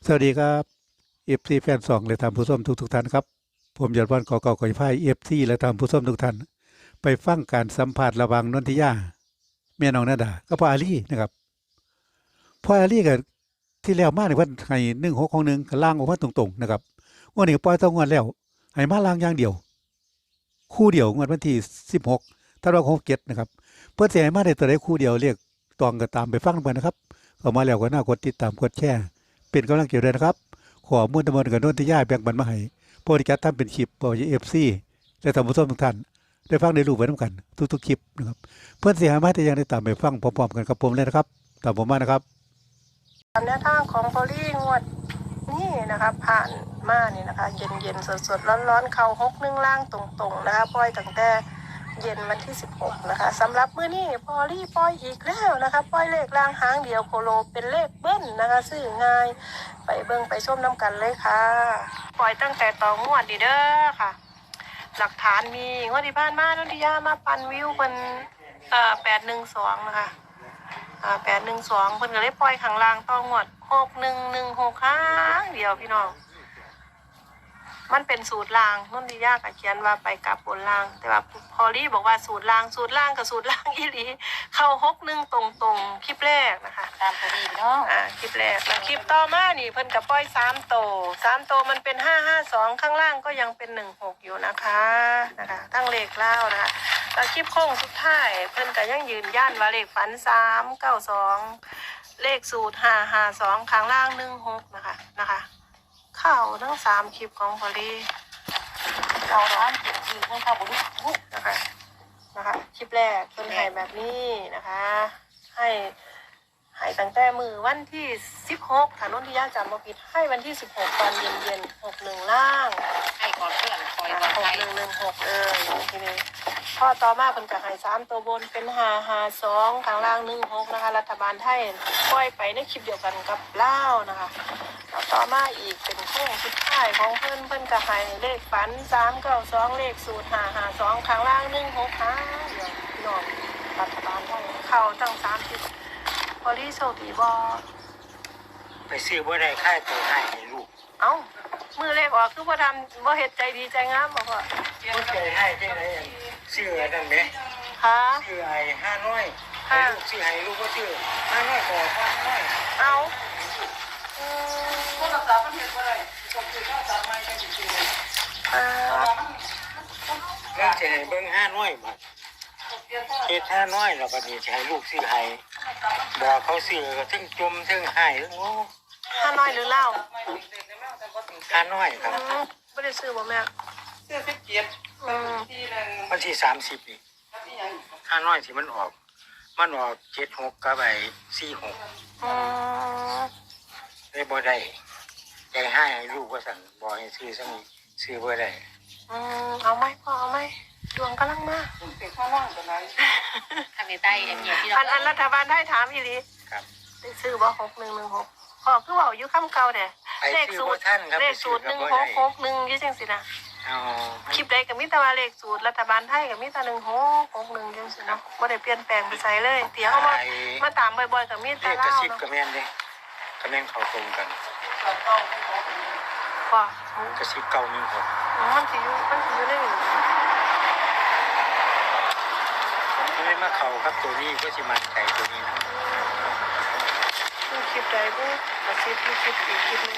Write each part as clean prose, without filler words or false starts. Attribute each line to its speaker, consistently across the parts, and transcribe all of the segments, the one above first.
Speaker 1: สวัสดีครับเอฟซีแฟนสองและท่านผู้ชมทุกท่านครับผมยอดวันขอเก่าขอพายเอฟซีและท่านผู้ชมทุกท่านไปฟังการสัมภาษณ์ระหว่างนนทิยาแม่น้องนาดาก็พ่ออาลีนะครับพ่ออาลีกับที่แล้วมาในวันให้1661ก็ล่างออกมาตรงๆนะครับวันนี้ปล่อยต้องงวดแล้วให้มาล่างอย่างเดียวคู่เดียวงวดวันที่16ธันวาคม67นะครับเพื่อจะให้มาได้ตัวใดคู่เดียวเรียกตองก็ตามไปฟังกันนะครับเข้ามาแล้วก็น่ากดติดตามกดแชร์เป็นกำลังใจด้วยนะครับ ขอมุ่นตะมนกับนนทิยาแบ่งปันมาให้โปรดิการทำเป็นคลิปบอยเอฟซีและท่านผู้ชมทุกท่านได้ฟังได้รู้ไปน้ำกันทุกๆคลิปนะครับเพื่อนเสียหายมาแต่ยังได้ตามไปฟังพร้อมๆกันกับผมเลยนะครับตามผมมานะครับ
Speaker 2: ตามแนวทางของพอลี่งวดนี่นะคะผ่านมานี่นะคะเย็นๆสดๆร้อนๆเข่า61ล่างตรงๆนะคะปล่อยตั้งแต่เย็นวันที่16นะคะสำหรับมื้อนี้พอลี่ปล่อยอีกแล้วนะคะปล่อยเลขล่างหางเดียวโคโลเป็นเลขเบิ้ลนะคะซื้อง่ายไปเบิ่งไปชมน้ำกันเลยค่ะปล่อยตั้งแต่ต่องวดดีเด้อค่ะหลักฐานมีงวดที่ผ่านมานนทิยามาปั่นวิวเป็น812นะคะ812เพิ่นก็เลยปล่อยข้างล่างต่องวด6116ค้างเดียวพี่น้องมันเป็นสูตรล่างนนทิยาก็เขียนว่าไปกลับบนล่างแต่ว่าพอลี่บอกว่าสูตรล่างกับสูตรล่างอีหลีเข้า61ตรงๆคลิปแรกนะคะ
Speaker 3: ตามพอดีเนาะ
Speaker 2: คลิปแรกแล้วคลิปต่อมานี่เพิ่นก็ปล่อย3โตมันเป็น552ข้างล่างก็ยังเป็น16อยู่นะคะทั้งเลขเล่านะคะแล้วคลิปโค้งสุดท้ายเพิ่นก็ยังยืนยันว่าเลขฝัน392เลขสูตร552ข้างล่าง16นะคะเข้าทั้ง3คลิปของพอลี่
Speaker 3: เราร้านจุดยืนให้เข้าบุรุษ
Speaker 2: นะคะคลิปแรกเพิ่นให้แบบนี้นะคะให้ตั้งแต่มือวันที่16ถ้านนทิยาจำบ่ผิดให้วันที่16ตอนเย็น61ล่าง
Speaker 3: ให้ก่อนเพื่อนคอยวันไทย
Speaker 2: 6116ทีนี้พอต่อมาเพิ่นก็ให้3ตัวบนเป็น552ข้างล่าง16นะคะรัฐบาลไทยปล่อยไปในคลิปเดียวกันกับลาวนะคะแล้วต่อมาอีกเป็นโค้งสุดท้ายของเพิ่นก็ให้เลขฝัน392เลขสูตร552ข้างล่าง16ค่ะเดี๋ยวพี่น้องรัฐบาลไทยเข้าตั้ง3ทิศพอลี่โชคดีบ่
Speaker 4: ไปซื้อบ่ได้ค่ายตัวให้ลูก
Speaker 2: เอ้ามือเลขออกคือบ่ทำบ่เฮ็ดใจดีใจงามบ่พ่อ
Speaker 4: บ่ใจให้จังได๋ซื้ออันนั้นแหม
Speaker 2: ค่ะ
Speaker 4: ซื้อไอ้5น้อยให้ลูกซื้อให้ลูกบ่ซื้อ5น้อยก็5น้อย
Speaker 2: เอ้า
Speaker 4: โทรศัพท์มันเฮ็ดบ่ได้ต้องซื้อโทรศัพท์ใหม่จังสิซื้อแล้วจะให้เบิ่ง5น้อยบัดเฮ็ด5น้อยแล้วบัดนี้จะให้ลูกซื้อให้บอกเขาซื้อก็ถึงจมถึงให้โอ้
Speaker 2: 5น้อยหรือเล่า
Speaker 4: 5น้อยครับ
Speaker 2: บ่ได้ซื้อบ่แม่
Speaker 4: ซื้อ17วันที่30นี่5น้อยที่มันออก76กับไอ้46ได้บ่ได้ใจให้ลูกว่าสั่งบ่ให้ซื้อซังซื้อบ่ได้
Speaker 2: เอาไหมพ่อเอาไหมดวงกำลังมา
Speaker 4: เป็นข้างล่างตัวไหน
Speaker 3: ทางในใต้เอ็มเยี่ยที่
Speaker 2: อันรัฐบาลได้ถามอีหลี
Speaker 4: ครับ
Speaker 2: ได้ซื้อบ่6116พ่อคือเว้าอยู่คำเก่าแท้เลขสูตร1661อยู่จังซี่นะคลิปใดก็มีแต่ว่าเลขสูตรรัฐบาลไทยก็มีแต่1661จังซี่เนาะบ่ได้เปลี่ยนแปลงไปไสเลยเดี๋ยวมาตามบ่อยๆก็มีแต่
Speaker 4: ลาว
Speaker 2: เนาะ
Speaker 4: เลขกระซิบก็แม่นเด้ก็แม่นเข้าตรงกัน
Speaker 2: พ่อก
Speaker 4: ระซิบเก่า1 6
Speaker 2: มันสิอยู่ในนี้
Speaker 4: มันเลยมาเข้ากับตัวนี้ก็สิมั่นใจตัวนี้นะ
Speaker 2: คลิปใดบ่ก็คลิปที่คลิปอีกคลิปนึง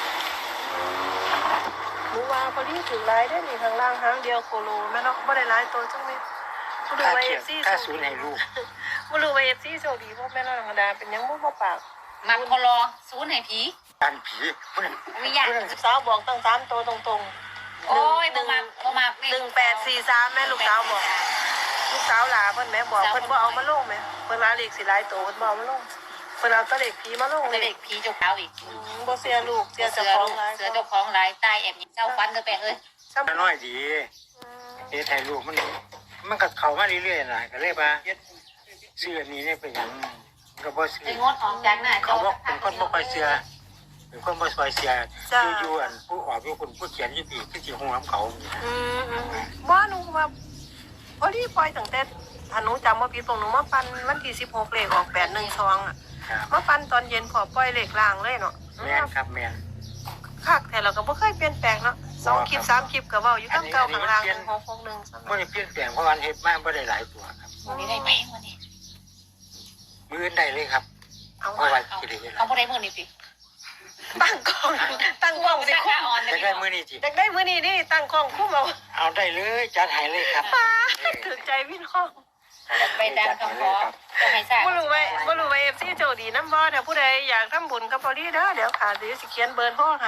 Speaker 2: หนูว่าพอดีถึงหลายได้นี่ข้างล่างหางเดียวโคโลแม่เนาะบ่ได้หลายตัวจังนี้บ่รู้ว่า FC
Speaker 4: ถ้าศูนย์ให้ลูก
Speaker 2: บ่รู้ว่า FC โชคดีบ่แม่นธรรมดาเป็นหยังบ่ปาก
Speaker 3: มันพอรอศูนย์ให้ผี
Speaker 4: การผีพุ่น
Speaker 3: มีอย่าง
Speaker 2: สาวบอกตั้ง3ตัวตรงๆ
Speaker 3: โอ้ยบ่มา
Speaker 2: 1843แม่ลูกสาวบอกลูกสาวหลาเพิ่นแม่บอกเพิ่นบ่เอามาลงแม่เพิ่นว่าเลขสิหลายตัวเพิ่นบ่เอามาลงเพิ่นเอาแต่เลขผีมาลง
Speaker 3: เด็กผีเจ้าขาวอีก
Speaker 2: บ่เสียลูกเสียเจ้าของหลาย
Speaker 3: เสือเจ้าของหลายใต้แอบเจ้าฟันเด้อแปะเอ้ย
Speaker 4: น้อยดีเฮ็ดให้ลูกมันก็เข้ามาเรื่อยๆน่ะก็เลยว่าซื้ออันนี้เนี่ยเป็นหยังก็บ่ซื้อ
Speaker 3: ไอ้งดออกจากหน้า
Speaker 4: เขาบอกเป็นคนบ่ค่อยเชื่อเป็นคนบ่ค่อยเชื่ออยู่อันผู้ออกอยู่คนผู้เขียนอยู่ดีคือสิฮู้นำเขา
Speaker 2: บ่หนูว่าพอดีปล่อยตั้งแต่ถ้าหนูจำว่าผิดตรงหนูมาปันวันที่16เลขออก812อ่ะ
Speaker 4: ครับ
Speaker 2: มาปันตอนเย็นพอปล่อยเลขล่างเลยเนาะ
Speaker 4: แม่นครับแม่น
Speaker 2: คักแต่เราก็บ่เคยเปลี่ยนแปลงเนาะ2คลิป3คลิปก็เว้าอยู่ทั้งเก่าข้างล่าง1661ซั่น
Speaker 4: บ่ได้เปลี่ยนแปลงเพราะวันเฮ็ดมาบ่ได้หลายตัวครับ
Speaker 3: วันนี้ได้ไหมวันนี้
Speaker 4: มื้ออื่นได้เลยครับ
Speaker 2: เอา
Speaker 4: เพราะว่าสิได้เวลา
Speaker 3: เอาบ่ได้มื้อนี้สิ
Speaker 2: ตั้งกล้องสิ
Speaker 3: ค่
Speaker 2: คุ้ม
Speaker 3: ออน
Speaker 4: จะได้มื้อนี้สิ
Speaker 2: อยากได้มื้อนี้นี่ตั้งกล้องคุ้มเอา
Speaker 4: เอาได้เลยจัดให้เลยครับ
Speaker 2: ถึงใจพี่น้อง
Speaker 3: ไปดังคำขอจะให้ทราบ
Speaker 2: บ่รู้ไว้ FC โจดีนำบ่ถ้าผู้ใดอยากทำบุญกับพอดีเด้อเดี๋ยวค่ะสิเขียนเบอร์โทรให้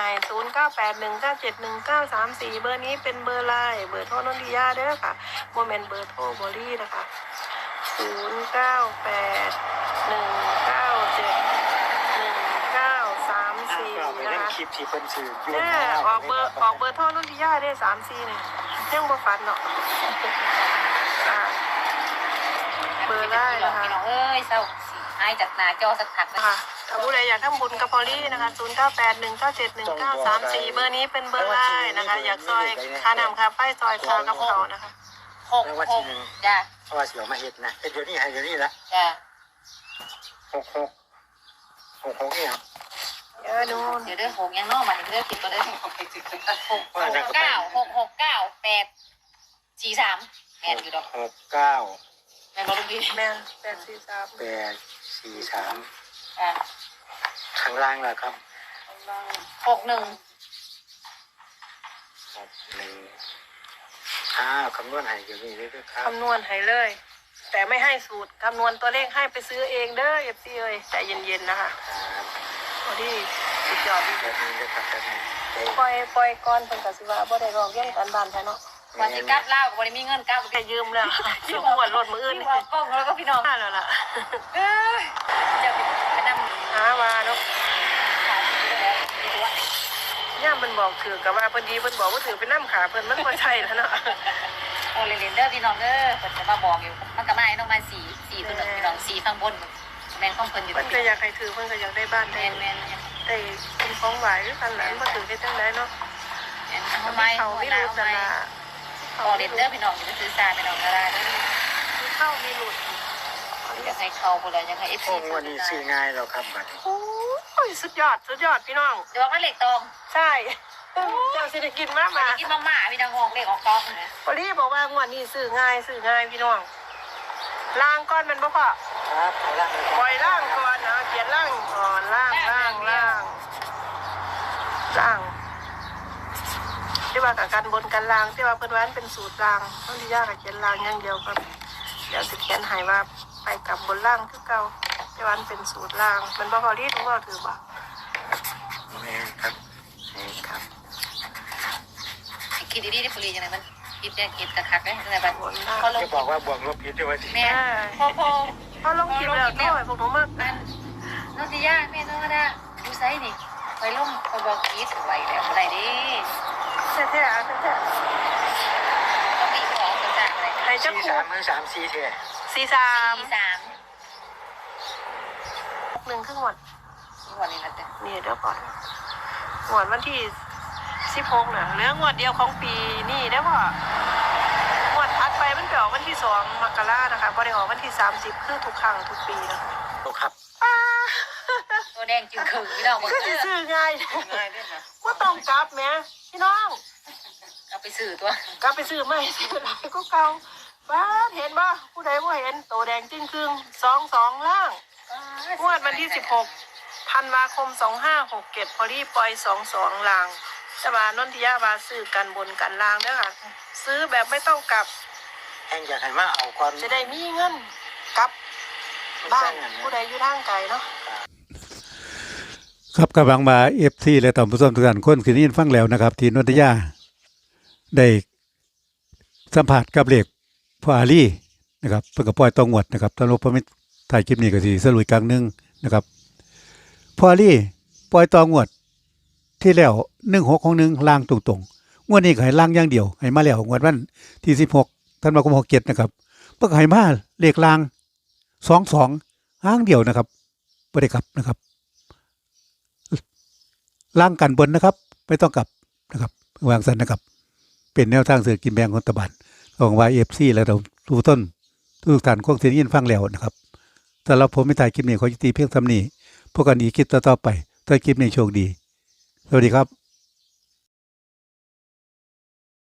Speaker 2: 0981971934เบอร์นี้เป็นเบอร์ไลน์เบอร์โทรนนทิยาเด้อค่ะบ่แม่นเบอร์โทรบรี่นะคะ0981971934
Speaker 4: เราไป
Speaker 2: นะ
Speaker 4: เล่น
Speaker 2: คะ
Speaker 4: คลิปที่เพิ่นซื้ออยู่
Speaker 2: ออกเบอร์โทรนนทิยาได้34เนี่ยยังบ่ฝันเนาะอ่า เบอร์ได้นะคะ
Speaker 3: พี่น้องเอ้ยเศร้าสิหายจากหน้าจอสักพักนะ
Speaker 2: ค่ะถ้าผู้ใดอยากทำบุญกับพอลลี่นะคะ0981971934เบอร์นี้เป็นเบอร์ไลน์นะคะ อยากซอยค่าน้ำค่าไฟซอยคอกับเขานะคะ
Speaker 3: 66จ้ะ
Speaker 4: เพราะว่าสิเอามาเฮ็ดนะเฮ็ดเดี๋ยวนี้ให้เดี๋ยวนี้ละ
Speaker 3: จ้ะ
Speaker 4: 66เนี่ย
Speaker 2: นู่น
Speaker 3: เดี๋ยวเด้อ6ยังเนาะมาเด้อคิดก็ได้69663แม่นอยู่ดอก
Speaker 4: 69
Speaker 3: แม่นบ่ลูกพี่
Speaker 2: แม่843
Speaker 4: 843
Speaker 3: จ้ะ
Speaker 4: ข้างล่างล่ะครับ
Speaker 3: 61
Speaker 4: คำนวณให้เดี๋ยวนี้เลยครับ
Speaker 2: คำนวณให้เลย แต่ไม่ให้สูตรคำนวณตัวเลขให้ไปซื้อเองเด้อ FC เอ้ยใจเย็นๆนะคะพอดีสุดยอดดี
Speaker 4: แบบนี้เลยครับแบบนี้
Speaker 2: ปล่อยก่อนเพิ่นก็สิว่าบ่ได้ร้องเรียนกันบ้านแท้เนาะ
Speaker 3: วันสิกลับลาวก็บ่ได้มีเงินกลับ
Speaker 2: แค่ยืมแล้วยืมหวดรถมื้ออื่น
Speaker 3: ที่
Speaker 2: นี่
Speaker 3: ว่ากล้องแล้วก็พี่น้อง
Speaker 2: มาแล้วล่ะ
Speaker 3: เอ้ยจะไปนำ
Speaker 2: หาว่าเนาะ
Speaker 3: ขายที่แล้วดีตัว
Speaker 2: ย่ามเพิ่นบอกถือกับว่าเพิ่นดีเพิ่นบอกว่าถือเป็นน้ำขาเพิ่นมันบ่ใช่แล้วเนาะ
Speaker 3: โอ้เรนเดอร์พี่น้องเด้อเพิ่นจะมาบอกอยู่มันก็มาให้น้องมา4ตัวหนึงพี่น้อง4ข้างบนแม่นของเพิ่นอยู่
Speaker 2: เพิ่นก็อยากให้ถือเพิ่นก็อยากได้บ้านได้
Speaker 3: แม่น
Speaker 2: ได้กินของหวานคือกันแหละมันบ่ถือได้จังไดเนาะ
Speaker 3: ทำไม
Speaker 2: เขามีหลุดนั่นล่ะ
Speaker 3: พอเรนเดอร์พี่น้องจะซื้อซาพี่น้องก็ได้
Speaker 2: มีเข้ามีหลุด
Speaker 3: อยากให้เขาพุ่นแล้วอยากให้ FC
Speaker 4: พวกวันนี้ซื้อง่ายแล้วครับบัดนี้
Speaker 2: โอ้ยสุดยอดพี่น้อง
Speaker 3: เดี๋ยวว่าเหล็กตอง
Speaker 2: ใช่เจ้าสิได้กินมา
Speaker 3: มากินมาม่าพี่น้องงอกเหล็กออกตองนะ
Speaker 2: พอดีบอกว่างวดนี้ซื้อง่ายพี่น้องล้างก้อนมันบ่พอ
Speaker 4: ครับข้างล่างเลย
Speaker 2: ปล่อยล่างก่อนนะเขียนล่างก่อนล่างที่ว่ากับกันบนกันล่างที่ว่าเพิ่นว่ามันเป็นสูตรล่างต้นที่ยากกับเขียนล่างอย่างเดียวครับเดี๋ยวสิเขียนให้ว่าไปกับบนล่างคือเก่าที่ว่ามันเป็นสูตรล่างมันบ่พอดีทุกว่าถือบ่
Speaker 4: แม่ครับนี่ครับ
Speaker 3: คิดดีๆที่ปุรีจังไงมันคิดเนี่ยคิดกระคักเลยจังไงบ้าง
Speaker 2: บนล่าง
Speaker 3: เขาลง
Speaker 4: จะบอกว่าบวกลบผิดด้วยว่าสิ
Speaker 3: แม่พอ
Speaker 2: พอลงคลิปแล้วด้วยพวกหนูมาก
Speaker 3: มันนนทิยาแม่นนทิยาดูไซนี่ไปลงไปบอกคิดไว้แล้วอะไรดิ
Speaker 2: แท้ๆ
Speaker 3: ก็มีของต่างๆอะไร
Speaker 2: ให้เจ้า
Speaker 4: สี่
Speaker 2: ครู
Speaker 4: สามหรือสามสี่เท่
Speaker 2: 43
Speaker 3: 3
Speaker 2: 1ครึ่งวัน
Speaker 3: วันนี้นะจ๊ะ
Speaker 2: นี่เดี๋ยวก่อนงวดวันที่16น่ะเหลืองวดเดียวของปีนี่ได้บ่งวดถัดไปมันไปออกวันที่2มกรานะคะบ่ได้ออกวันที่30คือทุกครั้งทุกปีนะคะ
Speaker 4: ครับ
Speaker 3: ตัวแดงจึงขึงพี่น้อง
Speaker 2: ก็สิซื้อง่าย
Speaker 3: ง่ายด้วยนะ
Speaker 2: บ่ต้องกลับแหมพี่น้อง
Speaker 3: เอาไปสื่อตัว
Speaker 2: กลับไปซื้อใหม่ซื้อหลายก็เก่าบ้าเห็นบ่ผู้ใดบ่เห็นโตแดงจึ้งครึ่ง22ล่างงวดวันที่16ธันวาคม2567พอดีปล่อย22ล่างแต่ว่านนทิยาว่าซื้อกันบนกันล่างเด้อค่ะซื้อแบบไม่ต้องกลับ
Speaker 4: แห่งอยากให้มาเอาก่อน
Speaker 2: จะได้มีเงินกลับบ้านผู้ใดอยู่ทางไกลเนาะ
Speaker 1: ครับกำลังมาเอฟซีและต่อมผู้ชมทุกท่านคนคืนนี้ฟังแล้วนะครับ ที่นนทยาได้สัมผัสกับเลขพ่ออาลีนะครับเพื่อกับปล่อยตองวดนะครับตลกพมิตรถ่ายคลิปนี้ก็สิสรุปกลางหนึงนะครับพ่ออาลีปล่อยตองวดที่แล้ว16ของ1ล่างตรงๆงวดนี้ก็ให้ล่างอย่างเดียวให้มาแล้วงวดวันที่16ธันวาคม67นะครับเพื่อให้มาเลขล่าง22ห้างเดียวนะครับบ่ได้กลับนะครับล่างกันบนนะครับไม่ต้องกลับนะครับวางสันนะครับเป็นแนวทางเสือกินแบงของตะบันของวายเอฟซีแล้วเราทุกต้นทุกท่านคงสิได้ยินฟังแล้วนะครับสำหรับผมไม่ถ่ายคลิปนี้ขอยุติเพียงเท่านี้พบกันอีกคลิปต่อๆไปถ้าคลิปนี้โชคดีสวัสดีครับ